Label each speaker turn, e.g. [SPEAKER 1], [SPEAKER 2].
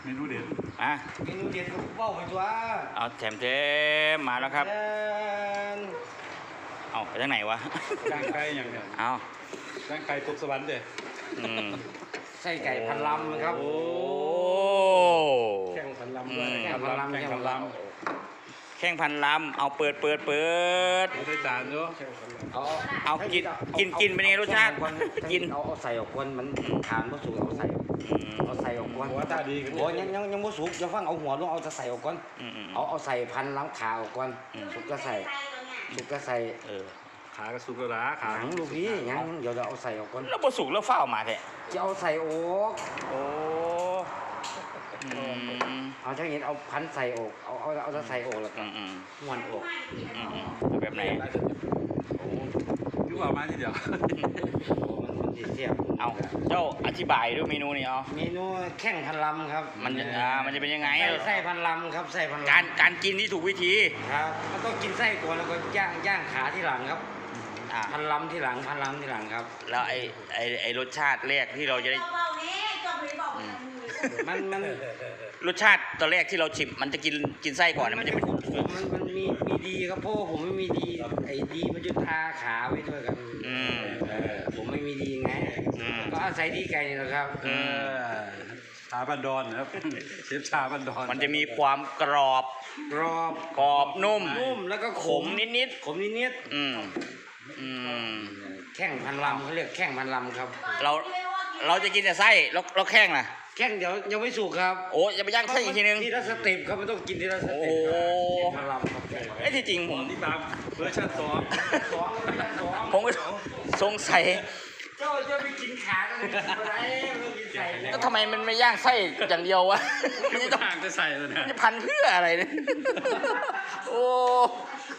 [SPEAKER 1] เมนูเด็ด
[SPEAKER 2] อ่ะ
[SPEAKER 3] เมนูเด็ดก็เบ้าไปตัว
[SPEAKER 2] เอาแถมมาแล้วครับเอาไปทางไหนวะ
[SPEAKER 1] ย่างไก่อย่างเนี้ย
[SPEAKER 2] เอา
[SPEAKER 1] ย่างไก่ตกสวรรค์เด้
[SPEAKER 2] อืม
[SPEAKER 3] ไส้ไก่พันลำนะครับ
[SPEAKER 2] โอ้
[SPEAKER 1] แข่งพันลำด้วย
[SPEAKER 3] แข่งพันลำ
[SPEAKER 1] แข่งพันลำ
[SPEAKER 2] แข้งพันลำเอาเปิด
[SPEAKER 1] ไม่ได้จานเนาะ
[SPEAKER 2] เอากินเป็นไงรสชาติกิน
[SPEAKER 3] เอาใส่ออกก่อนมันทานบ่สุกเอาใส่
[SPEAKER 2] อืม
[SPEAKER 3] เอาใส่ออกก่อน
[SPEAKER 1] หัวตาดีกัน
[SPEAKER 3] โอ้ยังบ่สุกอย่าฟังเอาหัวลงเอาจะใส่ออกก่อน
[SPEAKER 2] อืม
[SPEAKER 3] เอาใส่พันล้างขาออกก่อนสุกก็ใส่สุกก็ใส่
[SPEAKER 2] เออ
[SPEAKER 1] ขากระสุกกระลาขา
[SPEAKER 3] หนังลูกพี่ยังเดี๋ยวเราเอาใส่ออกก่อน
[SPEAKER 2] แล้วบ่สุกแล้วเฝ้าวมาแท้
[SPEAKER 3] จะเอาใส่ออก
[SPEAKER 2] โอ้อืม
[SPEAKER 3] เอาถ้าเห็นเอาพันใส่ออกเอาจะใส่ออกแล้วก็
[SPEAKER 2] อืม
[SPEAKER 3] ม้วนออก
[SPEAKER 2] เอาแบบไหน
[SPEAKER 1] คือว่ามาทีเดียว
[SPEAKER 3] โอ้มันสิเสียบ
[SPEAKER 2] เอาเจ้าอธิบายด้วยเมนูนี้เอา
[SPEAKER 3] เมนูแข้งพันลำครับ
[SPEAKER 2] มันจะเป็นยังไง
[SPEAKER 3] ไส้พันลำครับไส้พันลำ
[SPEAKER 2] การกินที่ถูกวิธี
[SPEAKER 3] ครับมันต้องกินไส้ก่อนแล้วก็ย่างขาที่หลังครับ
[SPEAKER 2] อ่ะ
[SPEAKER 3] พันลำที่หลังพันลำที่หลังครับ
[SPEAKER 2] แล้วไอ้รสชาติแรกที่เราจะได้
[SPEAKER 3] มัน
[SPEAKER 2] รสชาติตอนแรกที่เราชิมมันจะกินไส้ก่อนนะมันจะเป็น
[SPEAKER 3] มันมีดีครับเพราะผมไม่มีดีไอ้ดีมันจะทาขาไว้ด้วยกันผมไม่มีดีไงก็อาศัยดีไก่นี่แหละครับ
[SPEAKER 1] ชาบันดอนนะครับเชฟชาบันดอน
[SPEAKER 2] มันจะมีความกรอบ
[SPEAKER 3] กรอบ
[SPEAKER 2] นุ่ม
[SPEAKER 3] แล้วก็ข
[SPEAKER 2] ข
[SPEAKER 3] ม
[SPEAKER 2] มนิด
[SPEAKER 3] ขมนิด
[SPEAKER 2] ๆอืม
[SPEAKER 3] แข้งพันลำเขาเรียกแข้งพันลำครับ
[SPEAKER 2] เราจะกินแต่ไส้แล้วแข้งล่ะ
[SPEAKER 3] แข้งเดี๋ยวยังไม่สุกครับ
[SPEAKER 2] โอ้จะไปย่างไส้อีกทีนึง
[SPEAKER 3] ทีละสเต็ปครับมันต้องกินทีละส
[SPEAKER 2] โอ้
[SPEAKER 3] เต็ป
[SPEAKER 2] โห
[SPEAKER 3] พันลำครับแข้งพันลำ
[SPEAKER 2] ไอ้ที่จริงผม
[SPEAKER 1] นี่บางเวอร์ชัน2
[SPEAKER 3] สองสอง
[SPEAKER 2] ผมก็สงสัย
[SPEAKER 3] เจ้าจะไปกินขากันเลยอะไรไม่กินใส่
[SPEAKER 2] ก็ทำไมมันไม่ย่างไส้อย่างเดียววะมันจะต้อง
[SPEAKER 1] ต่างจะใส่เลยนะ
[SPEAKER 2] มันจะพันเพื่ออะไรเนี่ยโอ้